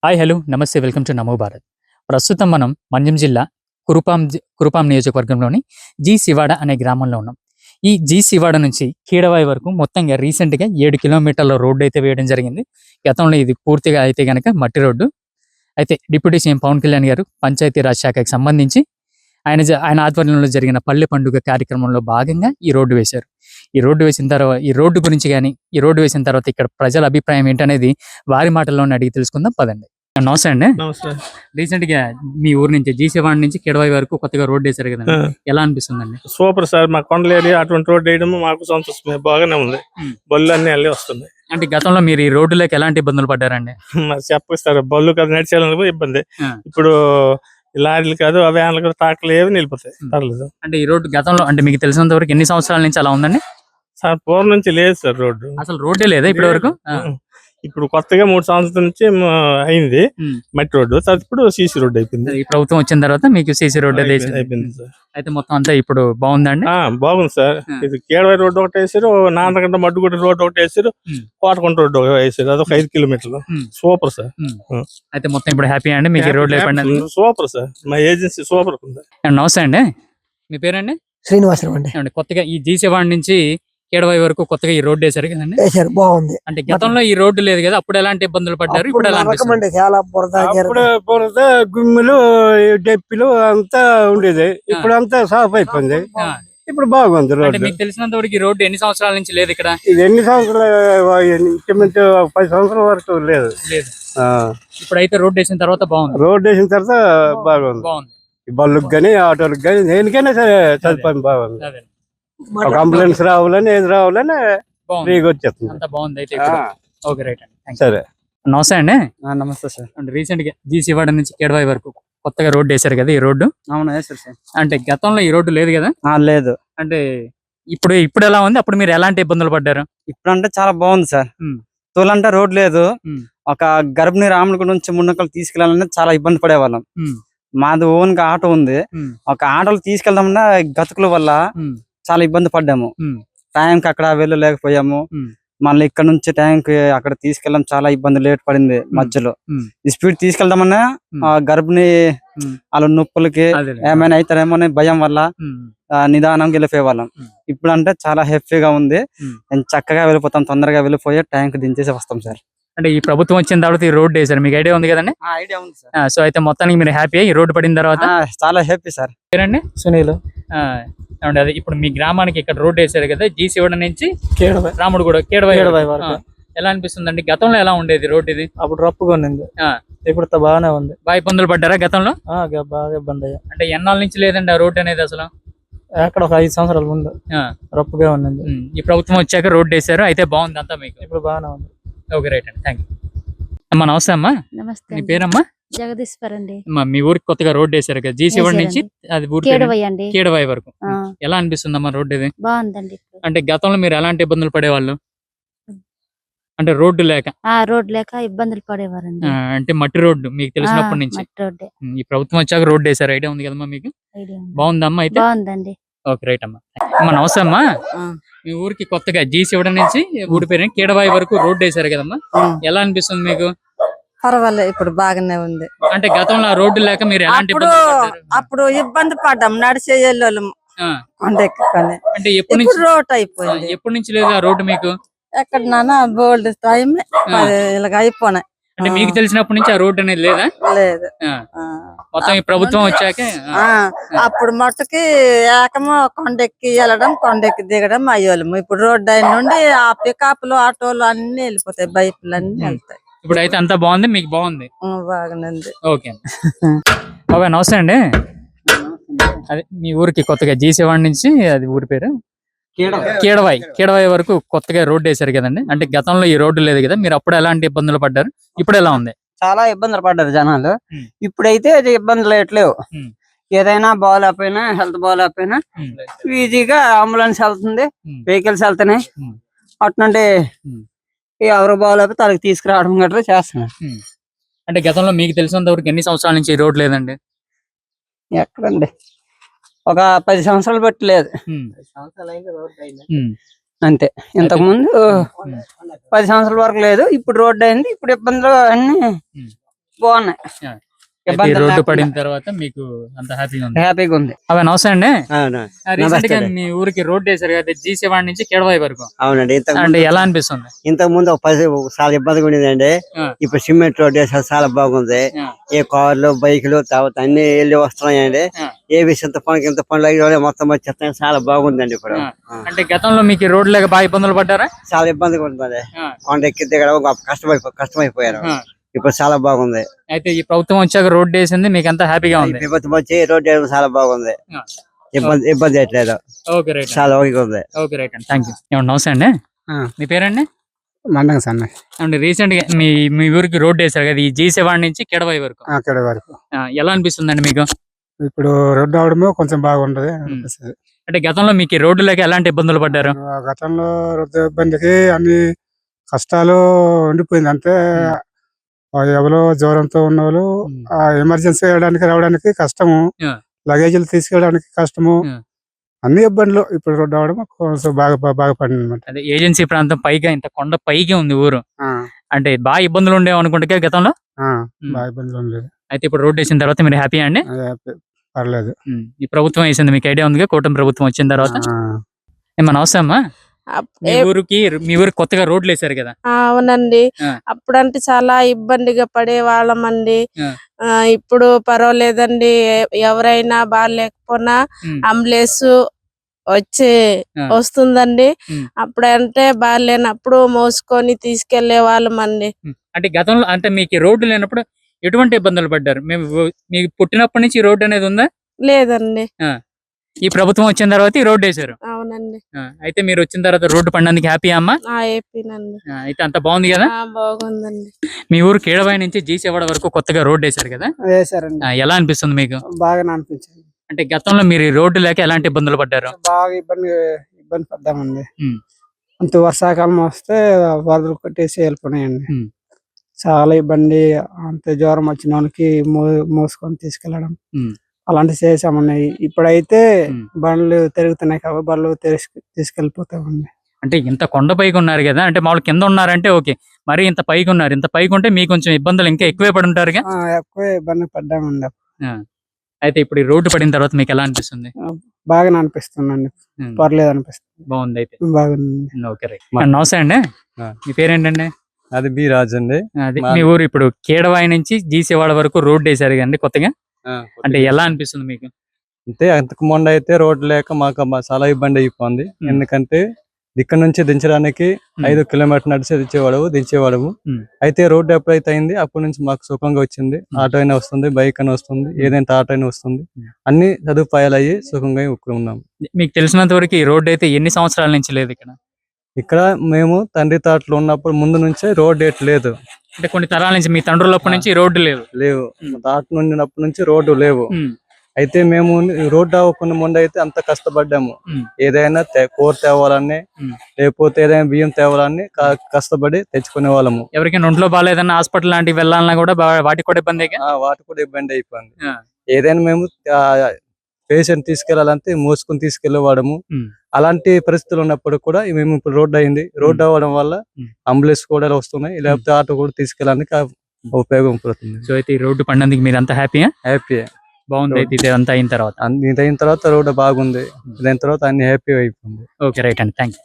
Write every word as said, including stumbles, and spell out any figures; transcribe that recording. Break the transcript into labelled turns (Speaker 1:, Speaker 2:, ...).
Speaker 1: Hi hello నమస్తే welcome to Namo Bharat. ప్రస్తుతం మనం మంజం జిల్లా కురుపాం జి- కురుపాం నియోజకవర్గంలోని జీ శివాడ అనే గ్రామంలో ఉన్నాం. ఈ జీ శివాడ నుంచి కీడవాయి వరకు మొత్తంగా రీసెంట్గా ఏడు కిలోమీటర్ల రోడ్డు అయితే వేయడం జరిగింది. గతంలో ఇది పూర్తిగా అయితే గనక మట్టి రోడ్డు. అయితే డిప్యూటీ సీఎం పవన్ కళ్యాణ్ గారు పంచాయతీరాజ్ శాఖకి సంబంధించి ఆయన జ- ఆయన ఆధ్వర్యంలో జరిగిన పల్లె పండుగ కార్యక్రమంలో భాగంగా ఈ రోడ్డు వేశారు. ఈ రోడ్డు వేసిన తర్వాత ఈ రోడ్డు గురించి కానీ ఈ రోడ్డు వేసిన తర్వాత ఇక్కడ ప్రజల అభిప్రాయం ఏంటనేది వారి మాటల్లోనే అడిగి తెలుసుకుందాం పదండి. నమస్తే అండి.
Speaker 2: నమస్తే.
Speaker 1: రీసెంట్ గా మీ ఊరు నుంచి జీసేవాడ నుంచి కిడవాయి వరకు కొత్తగా రోడ్ వేశారు కదండి,
Speaker 2: ఆ,
Speaker 1: ఎలా అనిపిస్తుందండి?
Speaker 2: Super sir. మా కొండల ఏరియా అటువంటి రోడ్ వేయడం మాకు సంతోషమే, బాగానే ఉంది.
Speaker 1: ఉమ్.
Speaker 2: బళ్ళు అన్ని అల్లే వస్తున్నాయి.
Speaker 1: అంటే గతంలో మీరు ఈ రోడ్డులోకి ఎలాంటి ఇబ్బందులు పడ్డారండి?
Speaker 2: మరి చెప్పిస్తారు, బళ్ళు కదా నడిచేయాలని ఇబ్బంది.
Speaker 1: ఆ.
Speaker 2: ఇప్పుడు ఈ లారీలు కాదు, ఆ వ్యాన్లు కాదు, ట్రాక్టర్లు ఏవి నిలిపోతాయి.
Speaker 1: ఉమ్.
Speaker 2: పర్లేదు
Speaker 1: అంటే ఈ రోడ్డు గతంలో అంటే మీకు తెలిసినంత వరకు ఎన్ని సంవత్సరాల నుంచి అలా ఉందండి?
Speaker 2: సార్. పూర్వం నుంచి లేదు సార్ రోడ్డు.
Speaker 1: అసలు రోడ్డే లేదా ఇప్పటి వరకు? ఆ.
Speaker 2: ఉమ్. ఇప్పుడు కొత్తగా మూడు సంవత్సరాల నుంచి మ, అయింది
Speaker 1: ఉమ్.
Speaker 2: మట్టి రోడ్డు. తర్వాత ఇప్పుడు సీసీ రోడ్డు అయిపోయింది.
Speaker 1: ఈ ప్రభుత్వం వచ్చిన తర్వాత మీకు సీసీ రోడ్ అయితే
Speaker 2: అయిపోయింది
Speaker 1: వేసింది.
Speaker 2: అయిపోయింది సార్.
Speaker 1: అయితే మొత్తం అంతా ఇప్పుడు బాగుందండి.
Speaker 2: ఆ, బాగుంది సార్.
Speaker 1: ఆ.
Speaker 2: ఇది కేడవాయి రోడ్డు ఒకటి వేసారు, నాన్నగంట మడ్డుగుడ్డ రోడ్డు ఒకటి వేసారు,
Speaker 1: ఉమ్.
Speaker 2: కోటకొండ రోడ్డు ఒకటి వేసారు. అదొక ఐదు కిలోమీటర్లు.
Speaker 1: ఉమ్.
Speaker 2: Super sir.
Speaker 1: ఉమ్.
Speaker 2: ఆ.
Speaker 1: అయితే మొత్తం ఇప్పుడు హ్యాపీ అండి మీకు ఈ రోడ్లు అయిపోయింది.
Speaker 2: Super sir. మా ఏజెన్సీ సూపర్ ఉంది.
Speaker 1: నమస్తే అండి, మీ పేరండి?
Speaker 3: శ్రీనివాసరావు అండి.
Speaker 1: ఏమండి, కొత్తగా ఈ జీసేవాడ నుంచి కేడవాయి వరకు కొత్తగా ఈ రోడ్డు వేశారు కదండి.
Speaker 3: వేశారు, బాగుంది.
Speaker 1: అంటే గతంలో ఈ రోడ్డు లేదు కదా, అప్పుడు ఎలాంటి ఇబ్బందులు పడ్డారు, ఇప్పుడు ఎలా
Speaker 3: అప్పుడు
Speaker 1: అనిపిస్తుంది?
Speaker 3: నరకమండి, చాలా బురద
Speaker 4: అప్పుడు బురద గుమ్మిలు డెప్పిలు అంతా ఉండేది. ఇప్పుడు అంతా సాఫ్ అయిపోయింది.
Speaker 1: ఆ.
Speaker 4: ఇప్పుడు బాగుంది
Speaker 1: అంటే
Speaker 4: రోడ్డు.
Speaker 1: మీకు తెలిసినంత వరకు ఈ రోడ్డు ఎన్ని సంవత్సరాల నుంచి లేదు ఇక్కడ?
Speaker 4: ఇది ఎన్ని సంవత్సరాలు, ఇంచుమించు పది సంవత్సరాల వరకు లేదు.
Speaker 1: లేదు.
Speaker 4: ఆ,
Speaker 1: ఇప్పుడైతే రోడ్డు వేసిన తర్వాత బాగుంది.
Speaker 4: రోడ్డు వేసిన తర్వాత బాగుంది.
Speaker 1: బాగుంది.
Speaker 4: ఈ బళ్ళుకి గానీ ఆటోలకు గానీ దేనికైనా సరే సదుపాయం బాగుంది.
Speaker 1: అదే.
Speaker 4: ఒక అంబులెన్స్ రావాలని ఏది రావాలని
Speaker 1: బాగుంది.
Speaker 4: ఫ్రీగా వచ్చేస్తుంది.
Speaker 1: అంతా బాగుంది అయితే
Speaker 4: ఆ,
Speaker 1: ఇప్పుడు. ఓకే రైట్ అండి, థాంక్స్.
Speaker 4: సరే.
Speaker 1: నమస్తే అండి.
Speaker 5: నమస్తే సార్.
Speaker 1: అంటే రీసెంట్ గా జీ శివాడ నుంచి కేడవాయి వరకు కొత్తగా రోడ్డు వేశారు కదా, ఈ రోడ్డు
Speaker 5: అవును వేసారు సార్.
Speaker 1: అంటే గతంలో ఈ రోడ్డు లేదు కదా.
Speaker 5: ఆ, లేదు.
Speaker 1: అంటే ఇప్పుడు ఇప్పుడు ఎలా ఉంది, అప్పుడు మీరు ఎలాంటి ఇబ్బందులు పడ్డారు?
Speaker 5: ఇప్పుడు అంటే చాలా బాగుంది సార్.
Speaker 1: ఉమ్.
Speaker 5: తోలంటే రోడ్ లేదు.
Speaker 1: ఉమ్.
Speaker 5: ఒక గర్భిణీ రాముడి నుంచి మున్నకలు తీసుకెళ్లాలంటే చాలా ఇబ్బంది పడేవాళ్ళం.
Speaker 1: ఉమ్.
Speaker 5: మాది ఓన్ గా ఆటో ఉంది.
Speaker 1: ఉమ్.
Speaker 5: ఒక ఆటోలు తీసుకెళ్దామన్నా గతుకుల వల్ల
Speaker 1: ఉమ్.
Speaker 5: చాలా ఇబ్బంది పడ్డాము.
Speaker 1: ఉమ్.
Speaker 5: టైంకి అక్కడ వెళ్ళలేకపోయాము.
Speaker 1: ఉమ్.
Speaker 5: మళ్ళీ ఇక్కడ నుంచి టైంకి అక్కడ తీసుకెళ్ళడం చాలా ఇబ్బంది, లేట్ పడింది మధ్యలో.
Speaker 1: ఉమ్.
Speaker 5: ఈ స్పీడ్ తీసుకెళ్దామన్నా
Speaker 1: ఉమ్.
Speaker 5: ఆ గర్భిణీ
Speaker 1: ఉమ్.
Speaker 5: వాళ్ళ నొప్పులకి
Speaker 1: అదేలే.
Speaker 5: ఏమైనా అవుతారేమో అనే భయం వల్ల
Speaker 1: ఉమ్.
Speaker 5: ఆ, నిదానంగా వెళ్ళిపోయేవాళ్ళం.
Speaker 1: ఉమ్.
Speaker 5: ఇప్పుడు అంటే చాలా హ్యాపీగా ఉంది.
Speaker 1: ఉమ్.
Speaker 5: నేను చక్కగా వెళ్ళిపోతాం, తొందరగా వెళ్ళిపోయి ట్యాంక్ దించేసి వస్తాం సార్.
Speaker 1: అంటే ఈ ప్రభుత్వం వచ్చిన తర్వాత ఈ రోడ్డు వేశారు, మీకు ఐడియా ఉంది కదండి.
Speaker 5: ఐడియా ఉంది సార్.
Speaker 1: సో అయితే మొత్తానికి మీరు హ్యాపీ ఈ రోడ్డు పడిన తర్వాత?
Speaker 5: చాలా హ్యాపీ సార్.
Speaker 1: పేరండి?
Speaker 3: సునీల్.
Speaker 1: ఆ, ఏమండి, అదే ఇప్పుడు మీ గ్రామానికి ఇక్కడ రోడ్డు వేశారు కదా, జీ శివాడ నుంచి
Speaker 3: కేడవాయి
Speaker 1: రాముడు కూడా కేడవాయి
Speaker 3: కేడవాయి
Speaker 1: వరకు.
Speaker 3: వరకు.
Speaker 1: ఆ, ఎలా అనిపిస్తుందండి? గతంలో ఎలా ఉండేది రోడ్డు ఇది?
Speaker 3: అప్పుడు రప్పుగా ఉన్నింది,
Speaker 1: ఆ,
Speaker 3: ఇప్పుడు త- బాగానే ఉంది.
Speaker 1: బాగా ఇబ్బందులు పడ్డారా గతంలో?
Speaker 3: ఆ, గ- బాగా ఇబ్బంది అయ్యా.
Speaker 1: అంటే ఎన్నాళ్ళ నుంచి లేదండి ఆ రోడ్డు అనేది అసలు?
Speaker 3: అక్కడ ఒక ఐదు సంవత్సరాల ముందు
Speaker 1: ఆ,
Speaker 3: రప్పుగా ఉన్నింది,
Speaker 1: ఉమ్, ఈ ప్రభుత్వం వచ్చాక రోడ్డు వేశారు, అయితే బాగుంది అంతా మీకు.
Speaker 3: ఇప్పుడు బాగానే ఉంది.
Speaker 1: ఓకే రైట్ అండి, థ్యాంక్ యూ. అమ్మా నమస్తే అమ్మా,
Speaker 6: నమస్తే
Speaker 1: మీ
Speaker 6: అండి.
Speaker 1: పేరమ్మా?
Speaker 6: జగదీశ్వర్ అండి.
Speaker 1: అమ్మా, మీ ఊరికి కొత్తగా రోడ్డు వేశారు కదా, జీ శివాడ నుంచి అది ఊరి పేరు
Speaker 6: కేడవయ్య అండి.
Speaker 1: కేడవాయి వరకు.
Speaker 6: ఆ,
Speaker 1: ఎలా అనిపిస్తుంది అమ్మా రోడ్డు ఇది?
Speaker 6: బాగుందండి ఇప్పుడు.
Speaker 1: అంటే గతంలో మీరు ఎలాంటి ఇబ్బందులు పడేవాళ్ళు? అంటే రోడ్డు లేక?
Speaker 6: ఆ రోడ్ లేక ఇబ్బందులు పడేవారండి.
Speaker 1: ఆ, అంటే మట్టి రోడ్డు మీకు తెలిసినప్పటి
Speaker 6: ఆ,
Speaker 1: నుంచి.
Speaker 6: మట్టి రోడ్డే.
Speaker 1: ఉమ్, ఈ ప్రభుత్వం వచ్చాక రోడ్డు వేశారు, ఐడియా ఉంది కదమ్మా మీకు?
Speaker 6: ఐడియా ఉంది.
Speaker 1: బాగుందమ్మా అయితే?
Speaker 6: బాగుందండి.
Speaker 1: ఓకే రైట్ అమ్మా. అమ్మా నమస్తే అమ్మా, మీ ఊరికి కొత్తగా జీ శివడ నుంచి ఊరి పేరు కేడవాయి వరకు రోడ్డు వేశారు కదమ్మా, ఎలా అనిపిస్తుంది మీకు?
Speaker 7: పర్వాలేదు, ఇప్పుడు బాగానే ఉంది.
Speaker 1: అంటే గతంలో ఆ రోడ్డు లేక మీరు ఎలాంటి
Speaker 7: అప్పుడు
Speaker 1: ఇబ్బందులు పడ్డారు?
Speaker 7: అప్పుడు ఇబ్బంది పడ్డాం, నడిచే వెళ్ళోళ్ళం
Speaker 1: ఆ,
Speaker 7: కొండెక్కని.
Speaker 1: అంటే ఎప్పటి
Speaker 7: ఇప్పుడు
Speaker 1: నుంచి
Speaker 7: రోడ్
Speaker 1: ఆ,
Speaker 7: అయిపోయింది.
Speaker 1: ఎప్పటి నుంచి లేదు ఆ రోడ్డు మీకు?
Speaker 7: ఎక్కడ నాన్న బోల్డ్ టైం ఇలాగ అయిపోయినాయి.
Speaker 1: అంటే మీకు తెలిసినప్పటి నుంచి ఆ రోడ్డు అనేది లేదా?
Speaker 7: లేదు.
Speaker 1: ఆ,
Speaker 7: ఆ.
Speaker 1: మొత్తం ఈ ప్రభుత్వం వచ్చాక
Speaker 7: ఆ, అప్పుడు మట్టుకి ఏకమో కొండెక్కి వెళ్ళడం, కొండెక్కి దిగడం అయ్యోళ్ళము. ఇప్పుడు రోడ్డు అయిన నుండి ఆ పికప్లు ఆటోలు అన్ని వెళ్ళిపోతాయి, బైకులు అన్ని వెళ్తాయి.
Speaker 1: ఇప్పుడు అయితే అంతా బాగుంది, మీకు బాగుంది.
Speaker 7: ఆ, బాగానే ఉంది.
Speaker 1: ఓకే బాబాయ్ నమస్తే అండి. అదే మీ ఊరికి కొత్తగా జీ శివాడ నుంచి అది ఊరి పేరు కేడవాయి కేడవాయి వరకు కొత్తగా రోడ్డు వేశారు కదండి. అంటే గతంలో ఈ రోడ్డు లేదు కదా, మీరు అప్పుడు ఎలాంటి ఇబ్బందులు పడ్డారు, ఇప్పుడు ఎలా ఉంది?
Speaker 5: చాలా ఇబ్బందులు పడ్డారు జనాలు.
Speaker 1: ఉమ్.
Speaker 5: ఇప్పుడైతే అది ఇబ్బందులు ఎట్లేవు.
Speaker 1: ఉమ్.
Speaker 5: ఏదైనా బాగాలేకపోయినా, హెల్త్ బాగాలేకపోయినా
Speaker 1: ఉమ్.
Speaker 5: ఈజీగా అంబులెన్స్ వెళ్తుంది,
Speaker 1: ఉమ్.
Speaker 5: వెహికల్స్ వెళ్తున్నాయి.
Speaker 1: ఉమ్.
Speaker 5: అట్నుండి
Speaker 1: ఉమ్.
Speaker 5: ఎవరు బాగాలేకపోతే వాళ్ళకి తీసుకురావడం గట్రా చేస్తున్నారు.
Speaker 1: ఉమ్. అంటే గతంలో మీకు తెలిసినంత వరకు ఎన్ని సంవత్సరాల నుంచి ఈ రోడ్డు లేదండి?
Speaker 5: ఎక్కడండి, ఒక పది సంవత్సరాలు బట్టి లేదు
Speaker 1: ఉమ్. ఉమ్.
Speaker 5: అంతే. ఇంతకు ముందు
Speaker 1: ఉమ్.
Speaker 5: పది సంవత్సరాల వరకు లేదు, ఇప్పుడు రోడ్డు అయింది. ఇప్పుడు ఇబ్బందులు అన్ని
Speaker 1: ఉమ్.
Speaker 5: బాగున్నాయి
Speaker 1: అయితే ఈ రోడ్డు పడిన తర్వాత మీకు అంత హ్యాపీగా ఉంది.
Speaker 5: హ్యాపీగా ఉంది.
Speaker 1: అవి నమస్తే అండి.
Speaker 4: అవునా
Speaker 1: రీసెంట్ గా
Speaker 4: నమస్తే.
Speaker 1: మీ ఊరికి రోడ్డు వేశారు కదా జీ శివాడి నుంచి కేడవాయి వరకు.
Speaker 4: అవునండి ఇంతకు
Speaker 1: అంటే ఎలా అనిపిస్తుంది?
Speaker 4: ఇంతకు ముందు ఒక పది చాలా ఇబ్బందిగా ఉండేదండి.
Speaker 1: ఆ.
Speaker 4: ఇప్పుడు సిమెంట్ రోడ్ వేసారు చాలా బాగుంది.
Speaker 1: ఆ.
Speaker 4: ఏ కార్లు బైకులు తర్వాత అన్ని వెళ్ళి వస్తున్నాయండి.
Speaker 1: ఆ.
Speaker 4: ఏ విషయం ఇంత పనులు ఇంత పనులు అయ్యి మొత్తం వచ్చేస్తాయి చాలా బాగుందండి ఇప్పుడు.
Speaker 1: ఆ.
Speaker 4: ఆ.
Speaker 1: అంటే గతంలో మీకు ఈ రోడ్డు లేక బాగా ఇబ్బందులు పడ్డారా?
Speaker 4: చాలా ఇబ్బందిగా ఉంటుంది.
Speaker 1: ఆ.
Speaker 4: కొండ ఎక్కి దిగడం కష్టమైపో కష్టమైపోయారు.
Speaker 1: ఆ.
Speaker 4: ఇప్పుడు చాలా బాగుంది.
Speaker 1: అయితే ఈ ప్రభుత్వం వచ్చాక రోడ్డు వేసింది మీకు అంతా హ్యాపీగా ఉంది.
Speaker 4: విపత్తు వచ్చి రోడ్ వేయడం చాలా బాగుంది.
Speaker 1: ఆ.
Speaker 4: ఇబ్బంది ఇబ్బంది అయ్యట్లేదు.
Speaker 1: ఓకే రైట్
Speaker 4: చాలా ఓకే ఉంది.
Speaker 1: ఓకే రైట్ అండి థ్యాంక్ యూ. ఏమన్నా నమస్తే అండి. మీ పేరండి?
Speaker 3: మండంగా సన్న
Speaker 1: అంటే రీసెంట్ గా మీ మీ ఊరికి రోడ్డు వేశారు కదా ఈ జీ శివాడి నుంచి కేడవాయి వరకు.
Speaker 3: అక్కడ వరకు
Speaker 1: ఆ, ఎలా అనిపిస్తుందండి మీకు?
Speaker 3: ఇప్పుడు రోడ్డు అవడమే కొంచెం బాగుంటది అనిపిస్తది.
Speaker 1: అంటే గతంలో మీకు ఈ రోడ్డు లేక ఎలాంటి ఇబ్బందులు పడ్డారు?
Speaker 3: ఆ గతంలో రోడ్డు ఇబ్బందికి అన్ని కష్టాలు ఉండిపోయింది. అంటే ఆ ఎవరో జ్వరంతో ఉన్న వాళ్ళు
Speaker 1: ఉమ్.
Speaker 3: ఆ ఎమర్జెన్సీ వెళ్ళడానికి రావడానికి కష్టము,
Speaker 1: ఆ.
Speaker 3: లగేజీలు తీసుకెళ్ళడానికి కష్టము,
Speaker 1: ఆ.
Speaker 3: అన్ని ఇబ్బందులు. ఇప్పుడు రోడ్డు అవడం కొంచెం బాగా బా- బాగా పడింది అనమాట.
Speaker 1: అదే ఏజెన్సీ ప్రాంతం పైగా ఇంత కొండ పైకి ఉంది ఊరు. అంటే బాగా ఇబ్బందులు ఉండేవి అనుకుంటే గతంలో. ఉమ్.
Speaker 3: బాగా ఇబ్బందులు ఏం లేదు.
Speaker 1: అయితే ఇప్పుడు రోడ్డు వేసిన తర్వాత మీరు హ్యాపీ అండి?
Speaker 3: అదే ప- పర్లేదు.
Speaker 1: ఉమ్. ఈ ప్రభుత్వం వేసింది మీకు ఐడియా ఉంది కూటమి ప్రభుత్వం వచ్చిన తర్వాత.
Speaker 3: ఆ.
Speaker 1: ఏమన్నా అవసరమా?
Speaker 8: అప్-
Speaker 1: మీ
Speaker 8: ఏ-
Speaker 1: ఊరికి మీ ఊరికి కొత్తగా రోడ్లు వేశారు కదా.
Speaker 8: ఆ, అవునండి.
Speaker 1: ఆ.
Speaker 8: అప్పుడంటే చాలా ఇబ్బందిగా పడే వాళ్ళమండి.
Speaker 1: ఆ.
Speaker 8: ఆ, ఇప్పుడు పర్వాలేదండి. ఎ- ఎవరైనా బాగాలేకపోయినా
Speaker 1: ఉమ్.
Speaker 8: అంబులెన్స్ వచ్చి
Speaker 1: ఆ.
Speaker 8: వస్తుందండి.
Speaker 1: ఉమ్.
Speaker 8: అప్పుడంటే బాగాలేనప్పుడు మోసుకొని తీసుకెళ్లే వాళ్ళమండి.
Speaker 1: ఉమ్. అంటే గతంలో అంటే మీకు ఈ రోడ్డు లేనప్పుడు ఎటువంటి ఇబ్బందులు పడ్డారు? మేము మీకు పుట్టినప్పటి నుంచి ఈ రోడ్డు అనేది ఉందా?
Speaker 8: లేదండి.
Speaker 1: ఆ. ఈ ప్రభుత్వం వచ్చిన తర్వాత ఈ రోడ్డు వేశారు.
Speaker 8: అవునండి.
Speaker 1: ఆ, అయితే మీరు వచ్చిన తర్వాత రోడ్డు పడినందుకు హ్యాపీ అమ్మా?
Speaker 8: ఆ ఏపీనండి.
Speaker 1: ఆ, అయితే అంత బాగుంది కదా.
Speaker 8: ఆ, బాగుందండి.
Speaker 1: మీ ఊరు కేడవాయి నుంచి జీసేవాడ వరకు కొత్తగా రోడ్డు వేశారు కదా.
Speaker 3: వేసారండి.
Speaker 1: ఆ, ఎలా అనిపిస్తుంది మీకు?
Speaker 3: బాగా అనిపించింది.
Speaker 1: అంటే గతంలో మీరు ఈ రోడ్డు లేక ఎలాంటి ఇబ్బందులు పడ్డారు?
Speaker 3: బాగా ఇబ్బంది ఇబ్బంది పడ్డామండి.
Speaker 1: ఉమ్.
Speaker 3: అంత వర్షాకాలం వస్తే వరదలు కొట్టేసి వెళ్ళిపోయినాయండి.
Speaker 1: ఉమ్.
Speaker 3: చాలా ఇబ్బంది. అంత జ్వరం వచ్చిన వాళ్ళకి మో మోసుకొని తీసుకెళ్ళడం
Speaker 1: ఉమ్.
Speaker 3: అలాంటివి చేసామండి. ఇప్పుడైతే
Speaker 1: ఉమ్.
Speaker 3: బండ్లు తిరుగుతున్నాయి కాబట్టి బండ్లు తీసుకు తీసుకెళ్ళిపోతామండి.
Speaker 1: అంటే ఇంత కొండ పైకి ఉన్నారు కదా, అంటే మామూలు కింద ఉన్నారంటే ఓకే, మరి ఇంత పైకి ఉన్నారు, ఇంత పైకి ఉంటే మీకు కొంచెం ఇబ్బందులు ఇంకా ఎక్కువే పడి ఉంటారుగా.
Speaker 3: ఆ, ఎక్కువ ఇబ్బంది పడ్డామండి.
Speaker 1: ఆ. అయితే ఇప్పుడు ఈ రోడ్డు పడిన తర్వాత మీకు ఎలా అనిపిస్తుంది?
Speaker 3: బాగా అనిపిస్తుందండి.
Speaker 1: ఉమ్.
Speaker 3: పర్లేదు అనిపిస్తుంది.
Speaker 1: బాగుంది అయితే.
Speaker 3: బాగుంది.
Speaker 1: Okay right. నమస్తే అండి.
Speaker 9: ఆ.
Speaker 1: మీ పేరేంటండి?
Speaker 9: అది బి రాజు అండి.
Speaker 1: అది
Speaker 9: మా-
Speaker 1: మీ ఊరు ఇప్పుడు కేడవాయి నుంచి జీసేవాడ వరకు రోడ్డు వేశారు కదండి కొత్తగా. అంటే ఎలా అనిపిస్తుంది మీకు?
Speaker 9: అంటే అంతకు ముందు అయితే రోడ్డు లేక మాకు మా చాలా ఇబ్బంది అయిపోయింది.
Speaker 1: ఉమ్.
Speaker 9: ఎందుకంటే ఇక్కడ నుంచి దించడానికి
Speaker 1: ఉమ్.
Speaker 9: ఐదు కిలోమీటర్ నడిచి దించేవాడు దించేవాడము.
Speaker 1: ఉమ్.
Speaker 9: అయితే రోడ్డు ఎప్పుడైతే అయింది అప్పటి నుంచి మాకు సుఖంగా వచ్చింది.
Speaker 1: ఉమ్.
Speaker 9: ఆటో అయినా వస్తుంది, బైక్ అయినా వస్తుంది, ఏదైనా ఆటో అయినా వస్తుంది.
Speaker 1: ఉమ్.
Speaker 9: అన్ని సదుపాయాలు అయ్యి సుఖంగా ఇక్కడ ఉన్నాం.
Speaker 1: మీకు తెలిసినంత వరకు ఈ రోడ్డు అయితే ఎన్ని సంవత్సరాల నుంచి లేదు ఇక్కడ?
Speaker 9: ఇక్కడ మేము తండ్రి తాటలు ఉన్నప్పుడు ముందు నుంచే రోడ్ ఏట్ లేదు.
Speaker 1: అంటే కొన్ని తరాల నుంచి మీ తండ్రులప్పటి నుంచి ఈ రోడ్డు లేదు.
Speaker 9: లేవు
Speaker 1: ఉమ్.
Speaker 9: తాట నుండినప్పటి నుంచి రోడ్డు లేవు.
Speaker 1: ఉమ్.
Speaker 9: అయితే మేము రోడ్డు అవ్వకుండా ముందు అయితే అంత కష్టపడ్డాము.
Speaker 1: ఉమ్.
Speaker 9: ఏదైనా తే- కూర తేవాలని
Speaker 1: ఉమ్.
Speaker 9: లేకపోతే ఏదైనా బియ్యం తేవాలని క- కష్టపడి తెచ్చుకునే వాళ్ళము.
Speaker 1: ఎవరికైనా ఒంట్లో బాగాలేదన్నా హాస్పిటల్ లాంటివి వెళ్ళాలన్నా కూడా బా- వాటికి కూడా ఇబ్బంది.
Speaker 9: ఆ, వాటి కూడా ఇబ్బంది అయిపోయింది.
Speaker 1: ఆ.
Speaker 9: ఏదైనా మేము పేషెంట్ తీసుకెళ్లాలంటే మోసుకొని తీసుకెళ్లేవాడము.
Speaker 1: ఉమ్.
Speaker 9: అలాంటి పరిస్థితులు ఉన్నప్పుడు కూడా మేము ఇప్పుడు రోడ్డు అయింది. రోడ్డు అవ్వడం వల్ల
Speaker 1: ఉమ్.
Speaker 9: అంబులెన్స్ కూడా వస్తున్నాయి, లేకపోతే ఆటో కూడా తీసుకెళ్ళడానికి ఉపయోగం పడుతుంది.
Speaker 1: సో అయితే ఈ రోడ్డు పడినందుకు మీరు అంతా హ్యాపీయా?
Speaker 9: హ్యాపీ
Speaker 1: బాగుంది అయితే ఇది అంతా అయిన తర్వాత.
Speaker 9: ఇది అయిన తర్వాత రోడ్డు బాగుంది. ఇదైన తర్వాత అన్ని హ్యాపీ అయిపోయింది.
Speaker 1: ఓకే రైట్ అండి థ్యాంక్ యూ.